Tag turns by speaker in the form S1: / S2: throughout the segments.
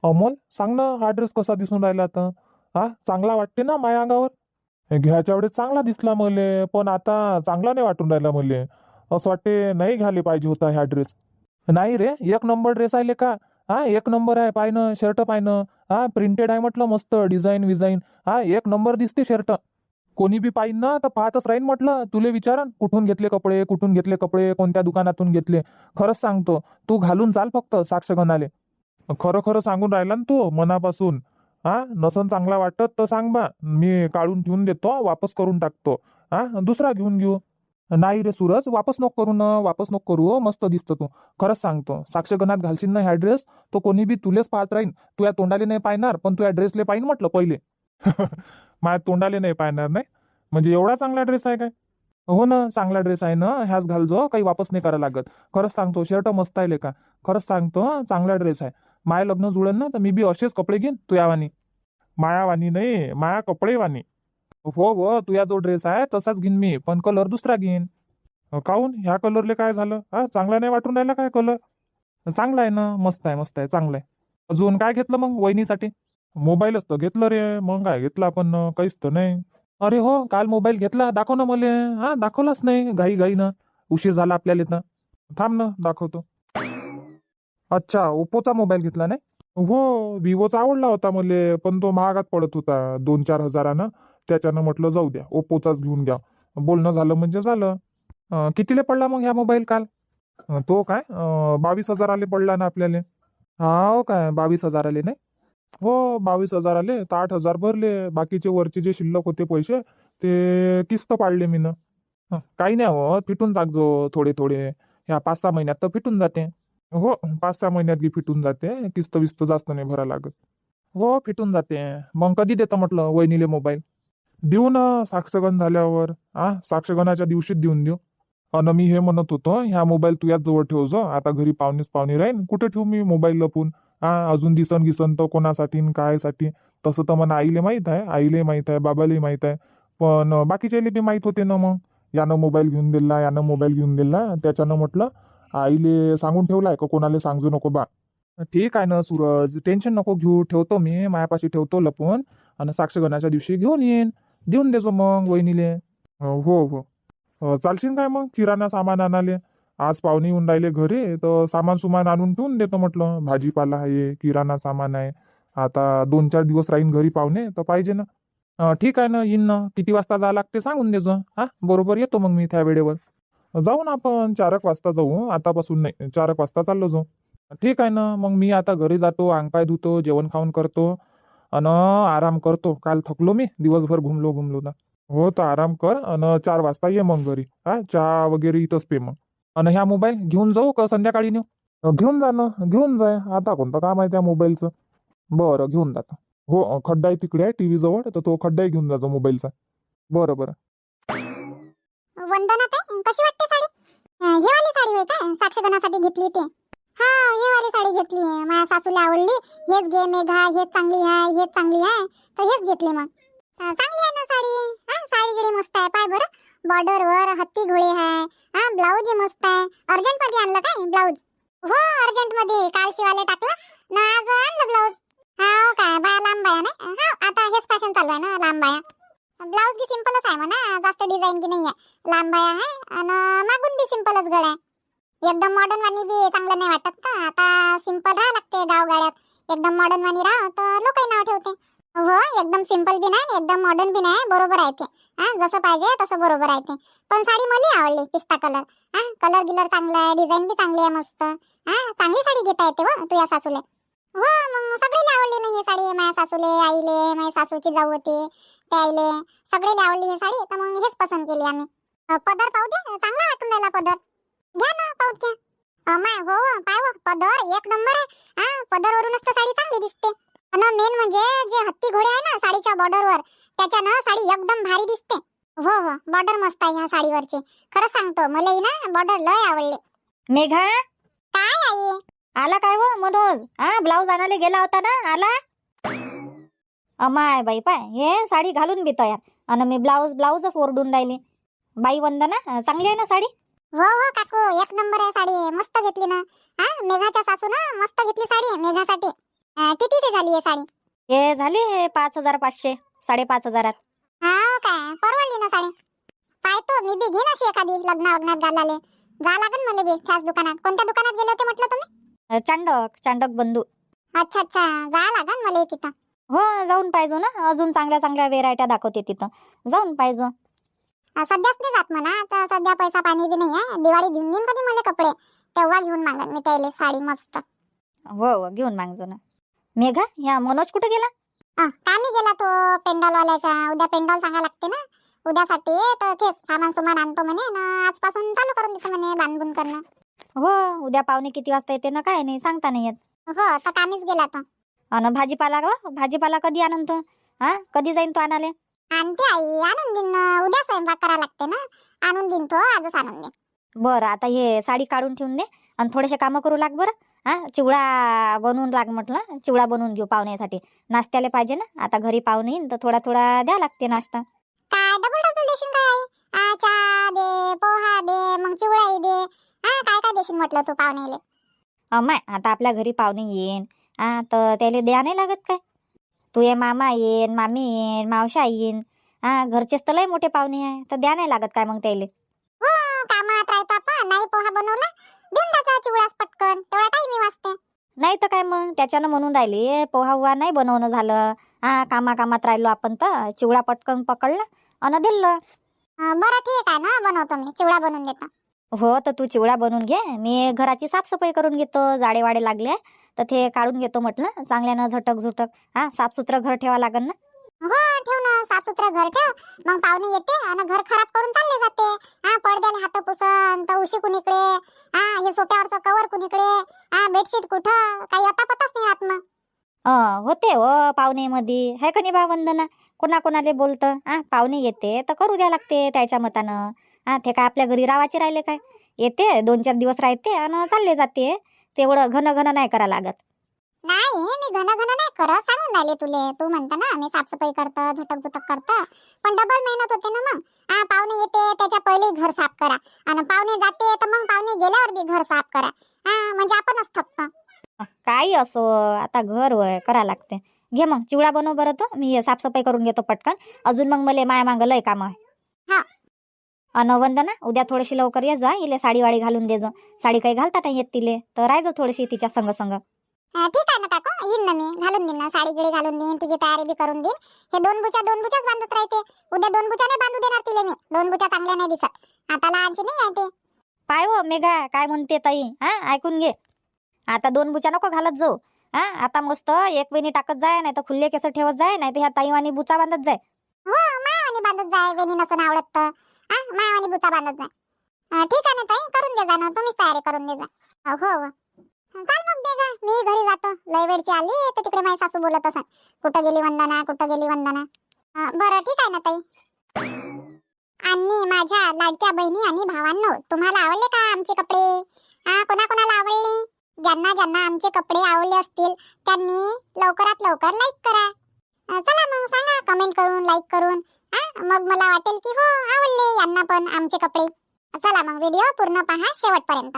S1: अमोल सांग ना, हा ड्रेस कसा दिसून राहिला आता? हा, चांगला वाटते ना माझ्या अंगावर? घ्यायच्या वेळेस चांगला दिसला मले, पण आता चांगला नाही वाटून राहिला मले. असं वाटते नाही घ्यायला पाहिजे होता ह्या ड्रेस. नाही रे, एक नंबर ड्रेस आहे का? हा, एक नंबर आहे. पायनं शर्ट पायनं. हा, प्रिंटेड आहे म्हटलं, मस्त डिझाईन विझाईन. हा, एक नंबर दिसते शर्ट. कोणी बी पाहिन ना तर पाहतच राहीन म्हटलं. तुले विचारन कुठून घेतले कपडे, कुठून घेतले कपडे, कोणत्या दुकानातून घेतले. खरंच सांगतो, तू घालून चाल फक्त साक्ष गणाले. खरं खरं सांगून राहिला ना तू मनापासून. हा, नसन चांगला वाटत तर सांग बा, मी काढून ठेवून देतो, वापस करून टाकतो. हा, दुसरा घेऊन घेऊ. नाही रे सूरज, वापस नको करू ना, वापस नको करू. मस्त दिसतो तू. खरंच सांगतो, साक्षगणात घालशील ना ह्या ड्रेस, तो कोणी बी तुलेच पाहत राहीन. तू या तोंडाले नाही पाहणार, पण तू या ड्रेसले पाहिन म्हटलं पहिले. माझ्या तोंडाले नाही पाहणार नाही म्हणजे एवढा चांगला ड्रेस आहे काय? हो ना, चांगला ड्रेस आहे ना, ह्याच घालजो, काही वापस नाही करायला लागत. खरंच सांगतो, शर्ट मस्त आहे का. खरंच सांगतो, चांगला ड्रेस आहे. माय लग्न जुळेल ना तर मी बी असेच कपडे घेईन तू यावानी. मायावानी नाही, माया कपडेवानी. हो हो, तुझा जो ड्रेस आहे तसाच घेईन मी, पण कलर दुसरा घेईन. काहून, ह्या कलरले काय झालं? हा, चांगला नाही वाटून राहिला काय कलर? चांगला आहे ना, मस्त आहे, मस्त आहे, चांगला आहे. अजून काय घेतलं मग वहिनीसाठी? मोबाईलच तर घेतलं रे, मग काय घेतलं आपण? काहीच तर नाही. अरे हो, काल मोबाईल घेतला, दाखव ना मले. हा, दाखवलाच नाही, घाई घाईनं. उशीर झाला आपल्याला इथं. थांब ना, दाखवतो. अच्छा, ओप्पोचा मोबाईल घेतला नाही? हो, विवोचा आवडला होता मले, पण तो महागात पडत होता 2-4 हजारानं. त्याच्यानं म्हटलं जाऊ द्या, ओप्पोचाच घेऊन घ्या. बोलणं झालं म्हणजे झालं. कितीले पडला मग ह्या मोबाईल काल? तो काय 22,000 आले पडला ना आपल्याला. हा काय, 22,000 आले नाही? हो, 22,000 आले तर 8,000 भरले. बाकीचे वरचे जे शिल्लक होते पैसे, ते किस्त पाडले मी ना. काही नाही हो, फिटून टाकजो थोडे थोडे. ह्या 5-6 महिन्यात तर फिटून जाते. हो, 5-6 महिन्यात बी फिटून जाते. किस्त विस्त जास्त नाही भरा लागत. हो, फिटून जाते. मग कधी देतं म्हटलं वहिनीले मोबाईल? देऊ ना, साक्षगण झाल्यावर. साक्षगणाच्या दिवशीच देऊन देऊ. अन मी हे म्हणत होतो, ह्या मोबाईल तू याच जवळ ठेवजो. आता घरी पाहुणेच पाहुणे राहीन, कुठे ठेवू मी मोबाईल लपून? अजून दिसन गिसन तर कोणासाठी न कायसाठी. तसं तर मला आईले माहित आहे, आईले माहित आहे, बाबाले माहित आहे. पण बाकीच्याले बी माहित होते ना मग. यानं मोबाईल घेऊन दिला, यानं मोबाईल घेऊन दिला. त्याच्यानं म्हटलं आईले सांगून ठेवलाय का कोणाला सांगू नको बा. ठीक आहे ना सूरज, टेन्शन नको घेऊ. ठेवतो मी मायापाशी, ठेवतो लपून. आणि साक्षगणाच्या दिवशी घेऊन येईन. देऊन देजो मग वहिनीले. हो हो. चालशील काय मग किराणा सामान आणाले? आज पाहुणे येऊन राहिले घरी, तर सामान सुमान आणून ठेवून देतो म्हटलं. भाजीपाला आहे, किराणा सामान आहे. आता 2-4 दिवस राहीन घरी पाहुणे, तर पाहिजे ना. ठीक आहे ना, येईन ना. किती वाजता जावं लागते सांगून देजो. बरोबर येतो मग मी त्या वेळेवर. जाऊ ना आपण 4 वाजता जाऊ, आतापासून नाही, 4 वाजता चाललो जाऊ. ठीक आहे ना, मग मी आता घरी जातो, अंगपाय धुतो, जेवण खाऊन करतो. अन आराम करतो. काल थकलो मी, दिवसभर घुमलो घुमलो ना. हो, तर आराम कर आणि 4 वाजता ये मग घरी. चहा वगैरे इथंच पे मग. आणि ह्या मोबाईल घेऊन जाऊ का संध्याकाळी नेऊ? घेऊन जा ना, घेऊन जाय. आता कोणतं काम आहे त्या मोबाईलचं? बरं, घेऊन जातो. हो, खड्डा आहे तिकडे आहे टीव्ही जवळ, तर तो खड्डाही घेऊन जातो मोबाईलचा. बरं बरं.
S2: वंदना ताई, कशी वाटते साडी? हे वाली साडी होय का साक्षगणासाठी घेतली ते? हा, हे वाली साडी घेतली. माझ्या सासूला आवडली. हेच घे मेघा, हेच चांगली आहे, हेच चांगली आहे, तर हेच घेतली मग. चांगली आहे ना साडी? साडी गिडी मस्त आहे, पाय बरं. बॉर्डर वर हत्ती घोळे आहे. ब्लाऊज मस्त आहे. अर्जंट मध्ये आणलं काय ब्लाऊज? हो, अर्जंट मध्ये काल शिवायला टाकलं ना, आज आणलं ब्लाऊज. हा काय, बाया लांब बाया नाही. आता हेच फॅशन चालू आहे ना, लांब बाया. ब्लाऊज बी सिंपलच आहे म्हणा, जास्त डिझाईन की नाही आहे. लांब बाया आहे आणि मागून बी सिंपलच गळा आहे. एकदम मॉडर्न वाणी बी चांगलं नाही वाटत का? आता सिंपल राहा लागते गाव गाड्यात. एकदम मॉडर्न वाणी राहा तर लोकही नाव ठेवते. हो, एकदम सिंपल बी नाही, एकदम मॉडर्न बी नाही, बरोबर आहे ते. जसं पाहिजे तसं बरोबर आहे ते. पण साडी मला आवडली, पिस्ता कलर. कलर गिलर चांगला आहे, डिझाईन बी चांगली आहे मस्त. चांगली साडी घेता येते हो तुझ्या सासूले. हो, मग सगळीला आवडली नाही ही साडी. माझ्या सासूले, आईले, माझ्या सासूची जाऊ होती त्या आईले, सगळेला आवडली ही साडी, तर मग हेच पसंत केली आम्ही. पदर पाहू दे, चांगला वाटून राहिला पदर. घ्या ना, पाहू घ्या. माय हो, पाय हो, पदर एक नंबर आहे. पदरवरूनच तर साडी चांगली दिसते. आणि मेन म्हणजे जे हत्ती घोडे आहे ना साडीच्या बॉर्डरवर, त्याच्यानं साडी एकदम भारी दिसते. हो हो, बॉर्डर मस्त आहे ह्या साडीवरची. खरं सांगतो, मलाही ना बॉर्डर लय आवडले.
S3: मेघा,
S2: काय आई?
S3: आला काय हो मनोज? ब्लाऊज आणायला गेला होता ना, आला? अमाय बाई, पाय हे साडी घालून बी तयार आणि मी ब्लाऊजच ओरडून राहिली. बाई वंदना, चांगली आहे ना साडी?
S2: हो हो काकू, एक नंबर आहे साडी, मस्त घेतली ना. मेघाच्या सासू ना मस्त घेतली साडी मेघासाठी. कितीची झाली आहे साडी?
S3: हे झाले 5,500 5,500
S2: हा काय परवडली ना साडी. पाहतो मी बी घेईन अशी एखादी लग्नात घालाले. जा लागेल मला बी त्याच दुकानात. कोणत्या दुकानात गेले होते म्हटलं तुम्ही?
S3: चांडक बंधू.
S2: अच्छा जा लागेल मला तिथं.
S3: हो जाऊन पाहिजो ना, अजून चांगल्या चांगल्या व्हेरायट्या दाखवते तिथं, जाऊन पाहिजो.
S2: सध्याच नाही जात म्हणा, आता सध्या पैसा पाणी बी नाही आहे. दिवाळी घेऊन देईन कधी मला कपडे, तेव्हा घेऊन मागन मी त्याला साडी मस्त.
S3: हो घेऊन मागजो ना. मेघा, ह्या मनोज कुठे गेला?
S2: कामी गेला तो पेंडॉलवाल्याच्या. उद्या पेंडॉल सांगा लागते ना उद्यासाठी, तर तेच सामान सुमान आणतो म्हणे ना, आजपासून चालू करून देतो म्हणे बांधून करणं.
S3: हो उद्या पावणे किती वाजता येते ना काय नाही सांगता नाही येत.
S2: हो तर कामीच गेला तो.
S3: अन भाजीपाला कधी आणून तो? कधी जाईन तो आणाले?
S2: आणते आई, आणून देईन. उद्या स्वयंपाक करा लागते ना, आणून देईन तो, आजच आणून देईन.
S3: बरं आता हे साडी काढून ठेवून दे आणि थोडेसे कामं करू लाग बरं. चिवडा बनवून लाग म्हटलं, चिवडा बनवून घेऊ पाहुण्यासाठी. नाश्त्याला पाहिजे ना, आता घरी पाहुणे येईन तर थोडा थोडा द्या लागते नाश्ता.
S2: काय डबल देशील काय? चहा दे, पोहा दे, मग चिवडाही दे. काय काय देशील म्हटलं तू पाहुणेले?
S3: अमाय आता आपल्या घरी पाहुणे येईन तर त्याला द्या नाही लागत काय? तू ये मामा येईन, मामी येईन, मावशा येईन. घरचेच तर लय मोठे पाहुणे आहे, तर द्या नाही लागत काय मग त्याले?
S2: हो कामात राहतो आपण. नाही पोहा बनवला देऊन द्यायचा चिवडाच पटकन, तेवढा टाइम वाचते.
S3: नाही तर काय मग, त्याच्यानं म्हणून राहिले पोहा हुआ नाही बनवणं झालं. कामात राहिलो आपण तर चिवडा पटकन पकडला आणि दिलं.
S2: बरं ठीक आहे ना, बनवतो मी चिवडा बनवून देतो.
S3: हो तर तू चिवडा बनवून घे, मी घराची साफसफाई करून घेतो. जाडे वाडे लागले तर ते काढून घेतो म्हटलं चांगल्यानं झटक. साफसुथरं घर ठेवा लागेल ना.
S2: हो ठेव ना, साफसुथरं घर ठेव. मग पाहुणे येते आणि घर खराब करून चालले जाते. पडद्याला हात पुसन तर उशी कुणीकडे, हे सोफ्यावरचं कवर कुणीकडे, बेडशीट कुठं, काही आता पताच नाही राहत मग.
S3: होते हो पाहुणेमध्ये, है का नाही बा वंदना? कोणाकोणाले बोलतं. पाहुणे येते तर करू द्या लागते त्याच्या मतानं. ते काय आपल्या घरी रावाचे राहिले काय? येते 2-4 दिवस राहते आणि चालले जाते. तेवढं घन नाही करा लागत.
S2: नाही मी घन नाही करत, सांगून राहिले तुले. तू म्हणता ना मी साफसफाई करतं, झटक करतं, पण डबल मेहनत होते ना मग. पाहुणे येते त्याच्या पहिले घर साफ करा, आणि पाहुणे जाते तर मग पाहुणे गेल्यावर बी घर साफ करा. म्हणजे आपणच थकतो.
S3: काही असो, आता घर वय करा लागते. घे मग चिवडा बनव बरं, तो मी साफसफाई करून घेतो पटकन. अजून मग मला माया मागं लय काम आहे.
S2: हा.
S3: वंदना उद्या थोडीशी लवकर ये जा, इले साडी वाडी घालून दे. साडी काही घालता नाही येत तिले, तर राहायचं थोडीशी तिच्या संग.
S2: ठीक आहे ना काकू, येईन ना मी, घालून देईन ना साडी गिडी घालून देईन, तिची तयारी बी करून देईन. हे दोन बुचाच बांधत राहते. उद्या 2 बुचा नाही बांधू देणार तिले मी. 2 बुचा चांगल्या नाही दिसत. आता लहानशी नाही आहे ते.
S3: पाय हो मेघा काय म्हणते ताई, ऐकून घे. आता 2 बुचा नको घालत जाऊ. आता मस्त एक वेणी टाकत जाय, नाही तर खुल्ले केस ठेवत जाय, नाही तर ह्या ताईवानी बुचा बांधत जाय.
S2: हो मायावानी बांधत जाय, वेणी नसून आवडत तर मायावानी बुचा बांधत जाय. ठीक आहे ना ताई, करून दे जा ना, तुम्हीच तयारी करून दे जा. हो चाल मग दे गा, मी घरी जातो. लय वेळची आली तर तिकडे माझी सासू बोलत असेल, कुठं गेली वंदना. बरं ठीक आहे ना ताई. आणि माझ्या लाडक्या बहिणी आणि भावांनो, तुम्हाला आवडले का आमचे कपडे? कोणाकोणाला आवडले? ज्यांना आमचे कपडे आवडले असतील त्यांनी लवकरात लवकर लाईक करा. चला मग सांगा कमेंट करून, लाईक करून. मग मला वाटेल की हो आवडले यांना पण आमचे कपडे. चला मग व्हिडिओ पूर्ण पहा शेवटपर्यंत.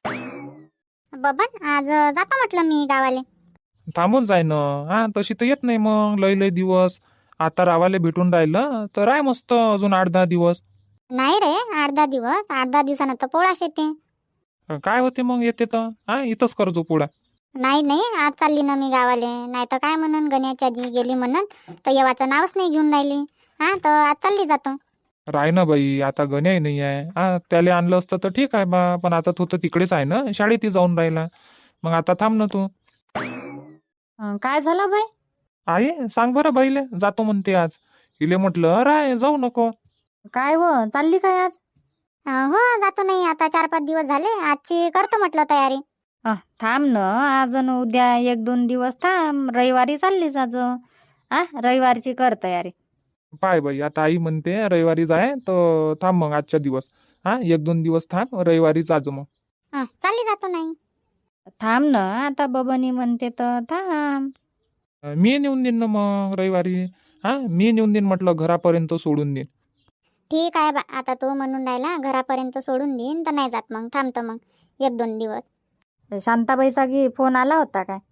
S2: बबन आज जातो म्हटलं मी गावाले.
S1: थांबून जाय ना. तशी तर येत नाही मग लय दिवस. आता रावाले भेटून राहिलं तर राय मस्त अजून 8-10 दिवस.
S2: नाही रे, 8-10 दिवस, 8-10 दिवसानं तर पोळाश येते.
S1: काय होते मग येते तर इथंच करतो पुढा.
S2: नाही आज चालली ना मी गावाले. नाही तर काय म्हणून गण्याची आजी गेली म्हणून तर येवाचं नावच नाही घेऊन राहिली. तर आज चालली जातो.
S1: राय ना बाई, आता गण्याही नाही आहे. त्याला आणलं असतं तर ठीक आहे बा, पण आता तो तर तिकडेच आहे ना, शाळेतही जाऊन राहिला. मग आता थांब ना तू.
S3: काय झालं बाई?
S1: आई सांग बरं बाईले, जातो म्हणते आज. तिले म्हटलं राय जाऊ नको.
S3: काय हो चालली काय आज?
S2: हो जातो. नाही आता 4-5 दिवस झाले, आजची करतो म्हटलं तयारी.
S3: थांब ना, आज न उद्या 1-2 दिवस थांब. रविवारी चाललीच आज. रविवारची कर तयारी.
S1: पाय बाई, आता आई म्हणते रविवारी जाय तर थांब मग आजच्या दिवस. 1-2 दिवस थांब, रविवारीच आज मग.
S2: चालली जातो. नाही
S3: थांब ना, आता बबनी म्हणते तर थांब.
S1: मी नेऊन देईन ना मग रविवारी. मी नेऊन देईन म्हटलं, घरापर्यंत सोडून देईन.
S2: ठीक आहे बा, आता तो म्हणून राहिला घरापर्यंत सोडून देईन तर नाही जात. मग थांबतो मग 1-2 दिवस.
S3: शांताबाईचा फोन आला होता काय?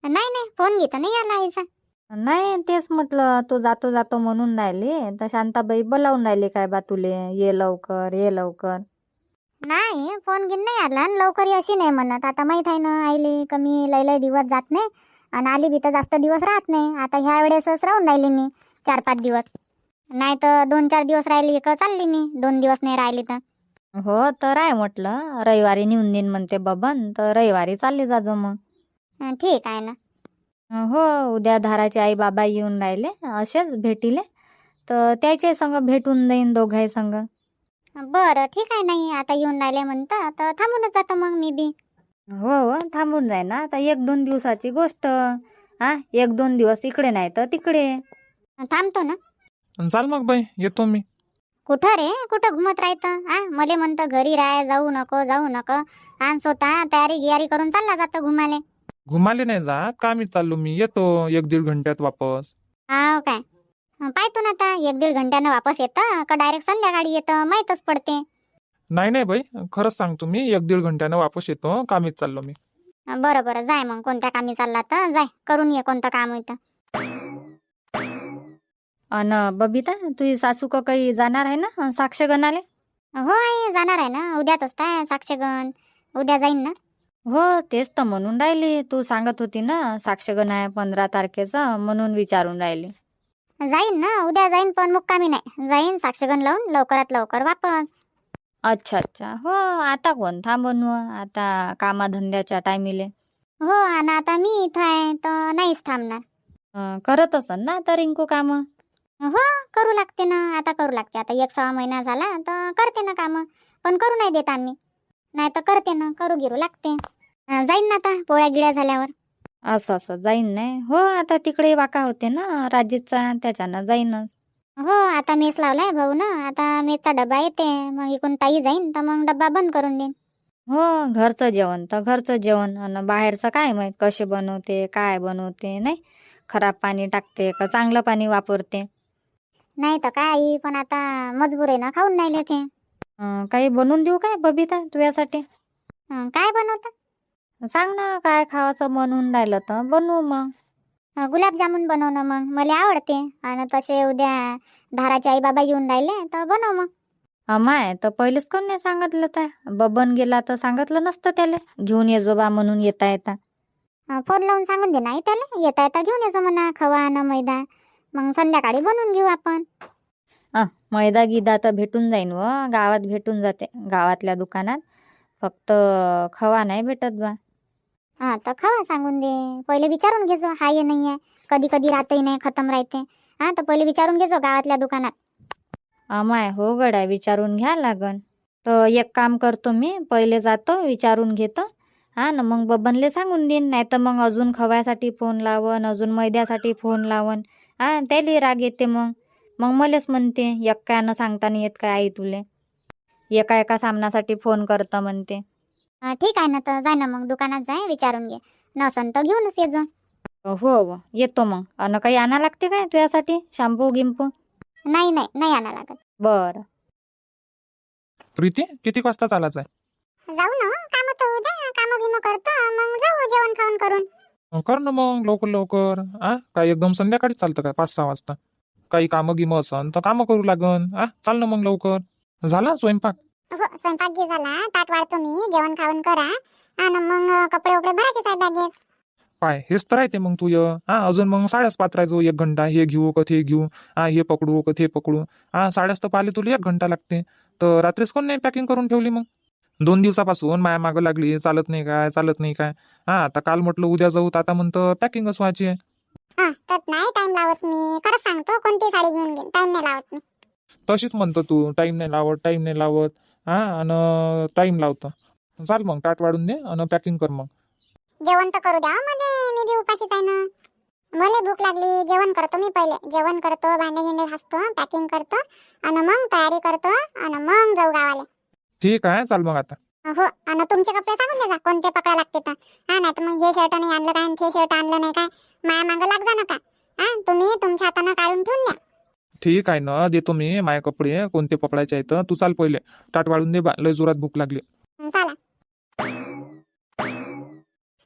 S2: नाही नाही फोन घेत नाही आला आईचा.
S3: नाही तेच म्हटलं, तू जातो जातो म्हणून राहिली तर शांताबाई बोलावून राहिली काय बा तुले, ये लवकर ये लवकर.
S2: नाही फोन घेऊन नाही आला आणि लवकर ये अशी नाही म्हणत. आता माहित आहे ना आईली कमी लय लय दिवस जात नाही आणि आली बी तर जास्त दिवस राहत नाही. आता ह्या वेळेसच राहून राहिली मी 4-5 दिवस, नाही तर 2-4 दिवस राहिली का चालली मी, 2 दिवस नाही राहिली तर.
S3: हो तर आहे म्हटलं, रविवारी नेऊन देईन म्हणते बबन, तर रविवारी चालली जाजो मग.
S2: ठीक आहे ना.
S3: हो उद्या धाराचे आई बाबा येऊन राहिले असेच भेटीले, तर त्याच्या संग भेटून जाईन दोघाही संग.
S2: बरं ठीक आहे. नाही आता येऊन राहिले म्हणता तर थांबूनच जातो मग मी बी.
S3: हो हो थांबून जाय ना, आता 1-2 दिवसाची गोष्ट. 1-2 दिवस इकडे नाही तर तिकडे.
S2: थांबतो ना.
S1: चाल मग बाई, येतो मी.
S2: कुठं रे, कुठं घुमत राहतं? मले म्हणतं घरी राह, जाऊ नको जाऊ नको, आणि स्वतः तयारी गियारी करून चालला जातं घुमाले.
S1: घुमाले नाही जा, कामीच चाललो मी, येतो 1-1.5 घंट्यात वापस.
S2: हाव काय? पाहतो ना आता 1-1.5 घंट्यानं वापस येतं का डायरेक्ट संध्याकाळी येतं, माहीतच पडते.
S1: नाही नाही बाई, खरंच सांगतो मी, 1-1.5 घंट्यानं वापस येतो, कामीच चाललो मी.
S2: बरं बरं जाय मग, कोणत्या कामी चालला तर जाय, करून ये कोणतं काम होतं.
S3: अन बबिता, तुझी सासू का काही जाणार आहे ना साक्षगणाले?
S2: हो आई जाणार आहे ना, उद्याच असताय साक्षगण, उद्या जाईन ना.
S3: हो तेच तर म्हणून राहिली, तू सांगत होती ना साक्षगण आहे 15 तारखेचा, म्हणून विचारून राहिली.
S2: जाईन ना उद्या जाईन, पण मुक्कामी नाही जाईन, साक्षगण लावून लवकरात लवकर वापस.
S3: अच्छा अच्छा. हो आता कोण थांबून आता कामाधंद्याच्या टायमिले.
S2: हो आणि आता मी इथं आहे तर नाहीच थांबणार.
S3: करत असन ना आता रिंकू काम?
S2: हो करू लागते ना, आता करू लागते. आता 1-1.25 महिना झाला तर करते ना कामं, पण करू नाही देत आम्ही, नाही तर करते ना, करू गिरू लागते. जाईन ना आता पोळ्या गिळ्या झाल्यावर.
S3: असं असं जाईन नाही. हो आता तिकडे वाका होते ना राजेशचा, त्याच्यानं जाईनच.
S2: हो आता मेस लावलाय भाऊ ना, आता मेसचा डबा येते, मग इकडून ताई जाईन तर मग डब्बा बंद करून देईन.
S3: हो घरचं जेवण तर घरचं जेवण, आणि बाहेरचं काय माहित कसे बनवते काय बनवते, नाही खराब पाणी टाकते का चांगलं पाणी वापरते.
S2: नाही तर काय आई, पण आता मजबूर आहे ना, खाऊन नाही लेते.
S3: काही बनवून देऊ काय बबिता तुझ्यासाठी?
S2: काय बनवता?
S3: सांग ना काय खावाचं म्हणून राहिलं तर बनवू मग.
S2: गुलाबजामुन बनव ना, मग मला आवडते. आणि तसे उद्या धाराचे आई बाबा येऊन राहिले तर बनव मग.
S3: अमाय तर पहिलेच कोण नाही सांगितलं, तर बबन गेला तर सांगितलं नसतं त्याला घेऊन ये जो बा म्हणून येता येता.
S2: फोन लावून सांगून दे नाही त्याला, येता येता घेऊन येतो म्हणा खवा ना मैदा, मग संध्याकाळी बनवून घेऊ आपण.
S3: मैदा गिदा तर भेटून जाईन व गावात भेटून जाते, गावातल्या दुकानात. फक्त खवा नाही भेटत बा.
S2: तर खवा सांगून दे, पहिले विचारून घेजो हाय नाही आहे, कधी कधी राहतही नाही, खतम राहते. तर पहिले विचारून घेजो गावातल्या दुकानात.
S3: अमाय हो गड्या, विचारून घ्या लागन. तर एक काम करतो मी, पहिले जातो विचारून घेतो, ना मग बबनले सांगून देईन. नाही तर मग अजून खव्यासाठी फोन लावन, अजून मैद्यासाठी फोन लावन, त्याला राग येते. मग मग मलेच म्हणते एक्कानं सांगता नाही येत काय आई तुले, एका एका सामनासाठी फोन करतं म्हणते.
S2: ठीक आहे ना, तर जाय ना मग दुकानात जाय, विचारून घे, नसन तर घेऊनच येजो.
S3: हो हो येतो मग. अन काही आणा लागते काय तुझ्यासाठी, शॅम्पू गिंपू?
S2: नाही नाही नाही आणा लागत.
S3: बरं.
S1: प्रीती, किती वाजता चालायचं आहे?
S2: जाऊ ना, काम तर उद्या काम बिम करतो, मग जाऊ जेवण खाऊन करून.
S1: कर ना मग लवकर लवकर. काय एकदम संध्याकाळी चालतं काय 5-6 वाजता? काही कामं गिमं असन तर कामं करू लागन. चाल ना मग लवकर. झाला स्वयंपाक?
S2: हो स्वयंपाक घे झाला, ताट वाढतो मी, जेवण खाऊन करा, आणि मग कपडे वपडे भरायचे आहे बॅगेत.
S1: पाय हेच तर राहते मग तुय. अजून मग साड्याच पात्रायचो 1 घंटा, हे घेऊ का ते घेऊ, हे पकडू का ते पकडू. साड्याच तर पाहिले तुला 1 घंटा लागते. तर रात्रीच कोण नाही पॅकिंग करून ठेवली मग? 2 दिवसापासून माया मागं लागली, चालत नाही काय चालत नाही काय. आता काल म्हटलं उद्या जाऊ, तर आता म्हणतं पॅकिंगच व्हायची आहे.
S2: तर नाही टाइम लावत मी, खरंच सांगतो, कोणती साडी घेऊन घेईन, टाइम नाही लावत मी.
S1: तशीच म्हणतो तू, टाईम नाही लावत टाईम नाही लावत. आणि टाईम लावतं. चाल मग ताट वाढून दे आणि पॅकिंग कर मग.
S2: जेवण तर करू द्या मला, मी बी उपाशीच आहे ना. मला भूक लागली, जेवण करतो मी, पहिले जेवण करतो, भांडे गिंडे घासतो, पॅकिंग करतो, आणि मग तयारी करतो, आणि मग जाऊ गावाला.
S1: ठीक आहे, चाल मग आता.
S2: हो, आणि तुमचे कपडे सांगून द्या कोणते पकडा लागते तर. नाही तर मग हे शर्ट नाही आणलं काय, ते शर्ट आणलं नाही काय, माया मागं लाग जा नका. तुम्ही तुमच्या हातानं काढून ठेवून द्या.
S1: ठीक आहे ना, देतो मी माझे कपडे कोणते पकडायचे आहेत. तू चाल पहिले, ताट वाढून दे बा, लय जोरात भूक लागली.
S2: चला आई,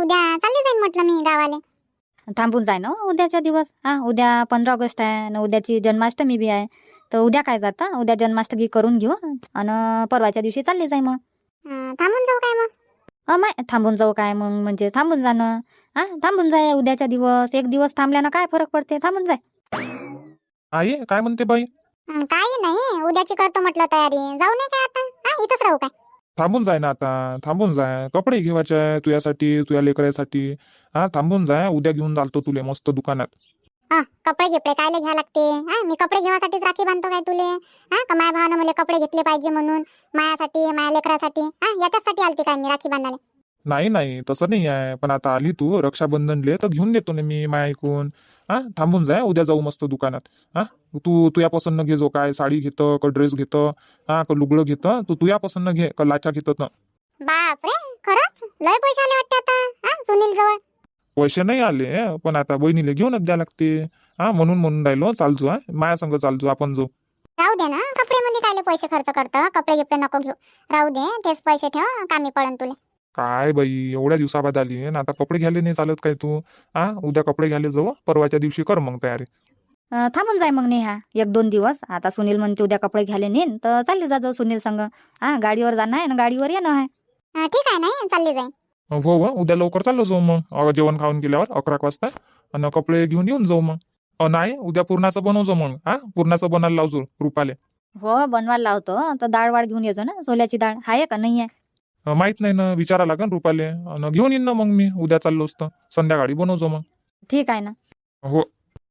S2: उद्या चालली जाईन म्हटलं मी गावाले.
S3: थांबून जाय ना उद्याच्या दिवस. उद्या 15 ऑगस्ट आहे आणि उद्याची जन्माष्टमी बी आहे. तर उद्या काय जाता, उद्या जन्माष्टमी करून घेऊ आणि परवाच्या दिवशी चालली जाय मग.
S2: थांबून जाऊ काय मग?
S3: माय थांबून जाऊ काय मग, म्हणजे थांबून जाणं. थांबून जाय उद्याच्या दिवस. एक दिवस थांबल्यानं काय फरक पडते, थांबून जाय.
S1: आई काय म्हणते बाई?
S2: काही नाही, उद्याची करतो म्हटलं तयारी. जाऊ नये काय आता? इथंच राहू काय?
S1: थांबून जाय ना आता, थांबून जाय. कपडे घेवायचे आहे तुझ्यासाठी, तुझ्या लेकरासाठी. थांबून जाय, उद्या घेऊन चालतो तुले मस्त दुकानात.
S2: कपडे गिपडे कायले घ्या लागते? मी कपडे घेवासाठीच राखी बांधतो काय तुले? का माया भावानं मला कपडे घेतले पाहिजे म्हणून, मायासाठी, माया लेकरासाठी, याच्यासाठी आलती काय मी राखी बांधायला?
S1: नाही तसं नाही आहे, पण आता आली तू रक्षाबंधनले तर घेऊन देतो ना मी माया ऐकून. थांबून जाय, उद्या जाऊ मस्त दुकानात. तू तुझ्या पसंत घे, जो काय साडी घेतं का ड्रेस घेतं, का लुगडं घेतं, तू तुझ्या पसंत घे का लाचा घेतं ना.
S2: बापरे, खरंच लय पैसे आले वाटते आता सुनील जवळ.
S1: पैसे नाही आले, पण आता बहिणीला घेऊनच द्या लागते. म्हणून राहिलो, चालजो. माया संग चालजो, आपण जाऊ.
S2: राहू दे ना, कपडे मध्ये कायले पैसे खर्च करतं? कपडे गिपडे नको घेऊ, राहू दे. तेच पैसे ठेव, कामी पडन तुले.
S1: काय बाई, एवढ्या दिवसाबाद आली आणि आता कपडे घ्यायला नाही चालत काय तू? उद्या कपडे घ्यायला जाऊ, परवाच्या दिवशी कर मग तयारी.
S3: थांबून जाय मग नेहा 1-2 दिवस. आता सुनील म्हणते उद्या कपडे घ्यायला नेन, तर चालली जाऊ सुनील संग. गाडीवर जाणं आहे ना, गाडीवर येणं आहे.
S2: ठीक आहे, नाही चालली जाईन.
S1: हो उद्या लवकर चाललो जाऊ मग, जेवण खाऊन गेल्यावर 11 वाजता. आणि कपडे घेऊन येऊन जाऊ मग. नाही, उद्या पुरणाचं बनवतो मग. पुरणाचं बनायला लावजो रुपाले.
S3: हो बनवायला लावतो. तर डाळ वाळ घेऊन येतो ना, सोल्याची डाळ आहे का नाही आहे?
S1: माहित नाही ना, विचारा लागेल रुपाले. आणि घेऊन येईन ना मग मी, उद्या चाललो असतो संध्याकाळी बनवतो मग.
S3: ठीक आहे ना.
S1: हो.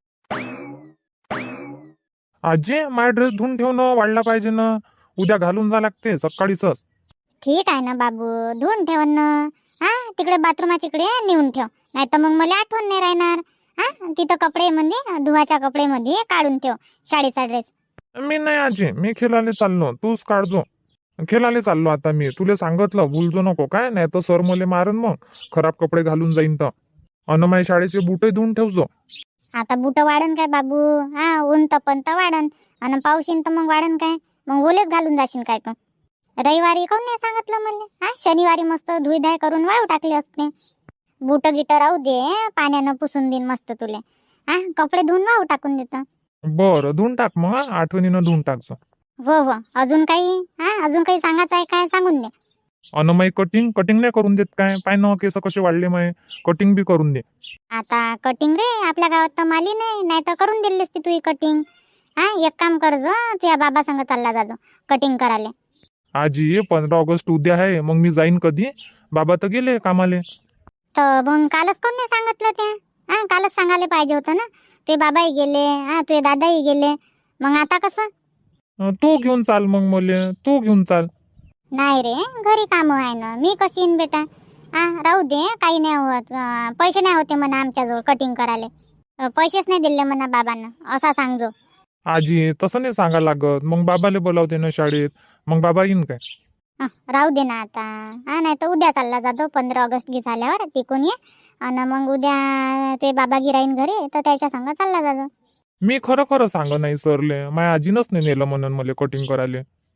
S1: आजी, माझा ड्रेस धुवून ठेव ना, वाढला पाहिजे ना, उद्या घालून जा लागते सकाळीच.
S2: ठीक आहे ना बाबू, धुवून ठेव ना. तिकडे बाथरूमाच्या इकडे नेऊन ठेव, नाही तर मग मला आठवण नाही राहणार. तिथं कपडे मध्ये, धुवाच्या कपडे मध्ये काढून ठेव शाळेचा ड्रेस.
S1: मी नाही आजी, मी खेळायला चाललो, तूच काढजो. खेळायला चाललो आता मी, तुला सांगितलं भुलजो नको काय, नाही तर सर मले मारन मग, खराब कपडे घालून जाईन तर. अन माझे शाळेचे बुटही धुवून ठेवजो.
S2: आता बुट वाढन काय बाबू? ऊन तपन तर वाढन, आणि पाऊस येईन तर मग वाढन काय? मग ओलेच घालून जाशील काय तू? रविवारी काऊन नाही सांगितलं मला? शनिवारी मस्त धुईधाय करून वाळू टाकले असते. बुट गिट राहू दे, पाण्यानं पुसून देईन मस्त तुले. कपडे धुवून वाळू टाकून देतो.
S1: बरं, धुवून टाक मग, आठवणीनं धुवून टाकजो.
S2: हो अजून काही अजून काही सांगायचं आहे काय? सांगून दे.
S1: अन माई कटिंग नाही करून देत काय? पाय न केस कसे वाढले, माय कटिंग बी करून दे.
S2: आता कटिंग रे, आपल्या गावात तर माली नाही तर करून दिली असती तुझी कटिंग. एक काम करजो, तुझ्या बाबा संग चालला जाजो कटिंग करायला.
S1: आजी, 15 ऑगस्ट उद्या आहे, मग मी जाईन कधी? बाबा तर गेले कामाले.
S2: तर मग कालच कोण नाही सांगितलं त्या? कालच सांगायला पाहिजे होतं ना. तुझे बाबाही गेले, तुझे दादाही गेले, मग आता कसं?
S1: तू घेऊन चाल मग मले, तू घेऊन चाल.
S2: नाही रे, घरी काम आहे ना, मी कशी येईन बेटा? राहू दे, काही नाही होत. पैसे नाही होते म्हणा आमच्याजवळ कटिंग करायला, पैसेच नाही दिले म्हणा बाबांना, असा सांगजो.
S1: आजी, तसं नाही सांगा लागत, मग बाबाले बोलावते ना शाळेत, मग बाबा येईन काय?
S2: राहू दे ना आता. नाही तर उद्या चालला जातो 15 ऑगस्ट गी झाल्यावर, तिकून ये. आणि मग उद्या ते बाबा गिराईन घरी, तर त्याच्या संग चालला जातो.
S1: मी खरं सांग नाही सरले, माझ्या आजीनच नाही नेलं म्हणून मला कटिंग करायला.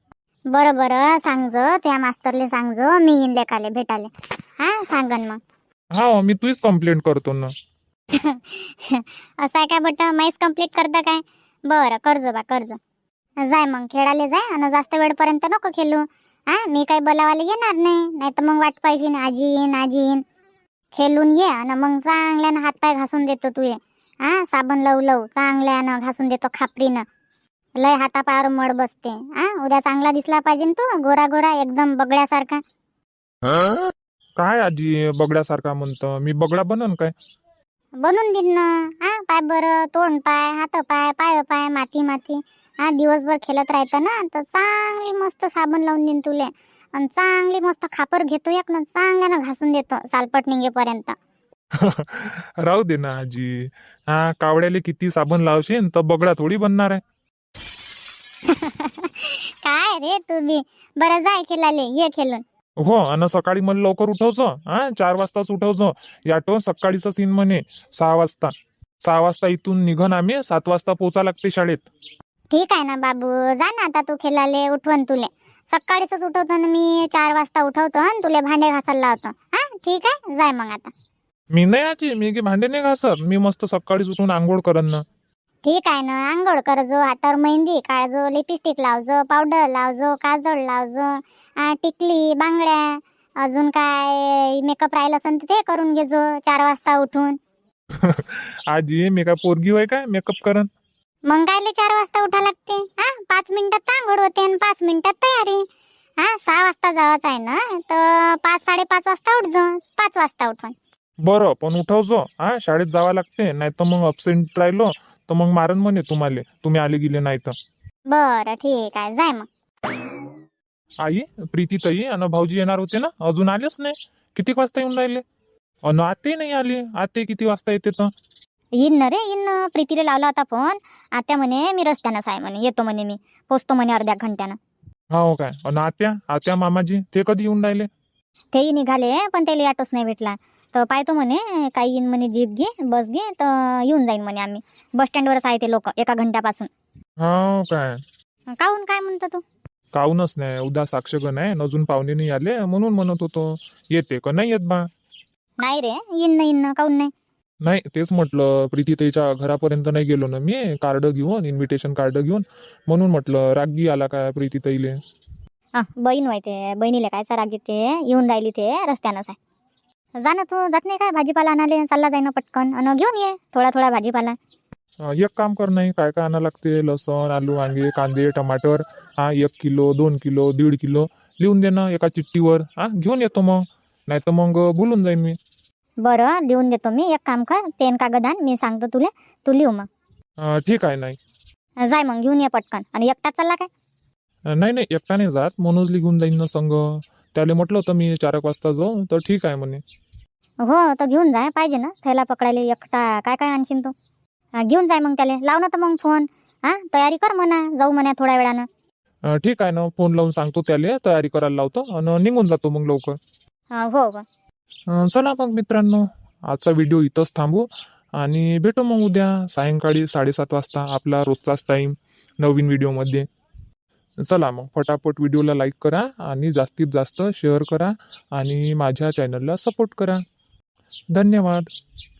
S2: बरं सांगजो, त्या मास्तरले सांगजो मी येईन लेकाले भेटाले. सांगन मग.
S1: मी तुझीच कंप्लेंट करतो ना.
S2: असं आहे काय बट, माहीच कंप्लीट करता काय? बरं करजो बा, करजो. जाय मग खेळायला जाय, आणि जास्त वेळपर्यंत नको खेळू. मी काही बोलावायला येणार नाही तर मग वाट पाहिजे आजी येईन. खेळून ये, आणि मग चांगल्यानं हातपाय घासून देतो तू ये. साबण लव चांगल्यानं घासून देतो खापरीनं. लय हातापायावर मळ बसते. उद्या चांगला दिसला पाहिजे तू, गोरा एकदम बगड्यासारखा.
S1: काय आजी बगड्यासारखा म्हणतं? मी बगडा बनन काय?
S2: बनून देईन ना. पाय बरं, तोंड पाय, हात पाय, माती. दिवसभर खेळत राहतं ना, तर चांगली मस्त साबण लावून देईन तुले, आणि चांगली मस्त खापर घेतो एक ना, चांगल्यानं घासून देतो सालपट निघेपर्यंत.
S1: राहू दे ना आजी. कावड्याले किती साबण लावशील तर बगडा थोडी बनणार आहे.
S2: काय रे तू बी. बरं जाय खेळाले, ये खेळून.
S1: हो, आणि सकाळी मला लवकर उठवजो. 4 वाजताच उठवजो. याटो सकाळीच सीन म्हणे 6 वाजता. 6 वाजता इथून निघन आम्ही, 7 वाजता पोचा लागते शाळेत.
S2: ठीक आहे ना बाबू, जा ना आता तू खेळाले. उठवण तुले सकाळीच उठवतो ना मी, 4 वाजता उठवतो आणि तुले भांडे घासायला लावतो. ठीक आहे, जाय मग आता.
S1: मी नाही आजी, मी की भांडे नाही घासत. मी मस्त सकाळीच उठून आंघोळ करन ना.
S2: ठीक आहे ना, आंघोळ करजो, हातावर मेहंदी काढजो, लिपस्टिक लावजो, पावडर लावजो, काजळ लावजो, टिकली, बांगड्या, अजून काय मेकअप राहिलं असेल तर ते करून घेजो 4 वाजता उठून.
S1: आजी मी काय पोरगी होय काय मेकअप करन?
S2: मग कायले 4 वाजता उठा लागते? 5 मिनिटात आंघोळ होते आणि 5 मिनिटात तयारी. 6 वाजता जायचं आहे ना, तर 5-5:30 वाजता उठजो, 5 वाजता उठून.
S1: बरं पण उठवजो. शाळेत जावं लागते, नाही तर मग अब्सेंट राहिलो तर मग मारन म्हणे तुम्हाला, तुम्ही आले गेले नाही तर.
S2: बरं ठीक आहे, जाय मग.
S1: आई, प्रीती ताई आणि भाऊजी येणार होते ना, अजून आलेच नाही. किती वाजता येऊन राहिले? अन आते नाही आली. आते किती वाजता येते तर?
S3: येईन ना रे, येईन ना. प्रीतीला लावला होता फोन. आत्या म्हणे मी रस्त्यानंच आहे म्हणे, येतो म्हणे, मी पोचतो म्हणे अर्ध्या घंट्यानं.
S1: हो काय? अन आत्या मामाजी ते कधी येऊन राहिले?
S3: तेही निघाले, पण त्याला ऑटोच नाही भेटला. तर पाहतो म्हणे, काही येईन म्हणे, जीप घे, बस घे, तर येऊन जाईन म्हणे आम्ही. बस स्टँडवरच आहे ते लोक 1 घंट्यापासून.
S1: हो काय?
S3: काहून, काय म्हणतो तू?
S1: काहूनच नाही, उद्या साक्षगण आहे, अजून पाहुणे नाही आले म्हणून म्हणत होतो. येते का नाही येत बा?
S3: नाही रे, येईन ना, काहून नाही.
S1: नाही तेच म्हटलं, प्रीतीताईच्या घरापर्यंत नाही गेलो ना मी, कार्ड घेऊन, इन्व्हिटेशन कार्ड घेऊन, म्हणून म्हटलं रागी आला काय प्रीतीताईले.
S3: बहीण व्हायचे, बहिणीला काय राग येते, येऊन राहिली ते रस्त्यानंच आहे. जा ना, तू जात नाही काय भाजीपाला आणाले? चालला जाईन पटकन आणि घेऊन ये थोडा भाजीपाला.
S1: एक काम कर, नाही काय काय आणा लागते, लसण, आलू, वांगे, कांदे, टमाटर, 1 किलो, 2 किलो, 1.5 किलो लिहून दे ना एका चिठ्ठीवर. घेऊन येतो मग, नाही तर मग भुलून जाईन मी.
S3: बरं, लिहून देतो मी. एक काम कर, पेन कागद आण, मी सांगतो तुला, तू लिहू मग.
S1: ठीक आहे. नाही
S3: जाय मग, घेऊन ये पटकन. आणि एकटाच चालला काय?
S1: नाही एकटा नाही जात, मनोजली घेऊन जाईन ना संग. त्याला म्हटलं होतं मी 4 वाजता जाऊ, तर ठीक आहे म्हणे.
S3: हो, तर घेऊन जाय, पाहिजे ना थैला पकडायला. एकटा काय काय आणशील तू? घेऊन जाय मग त्याला. लाव ना तर मग फोन. तयारी कर म्हणा, जाऊ म्हणा थोड्या वेळानं.
S1: ठीक आहे ना, फोन लावून सांगतो त्याला, तयारी करायला लावतो आणि निघून जातो मग लवकर.
S3: हो हो.
S1: चला मग मित्रांनो, आजचा व्हिडिओ इथंच थांबू आणि भेटू मग उद्या सायंकाळी 7:30 वाजता, आपला रोजचाच टाईम, नवीन व्हिडिओमध्ये. चला मग फटाफट व्हिडिओला लाईक करा आणि जास्तीत जास्त शेअर करा आणि माझ्या चॅनलला सपोर्ट करा. धन्यवाद.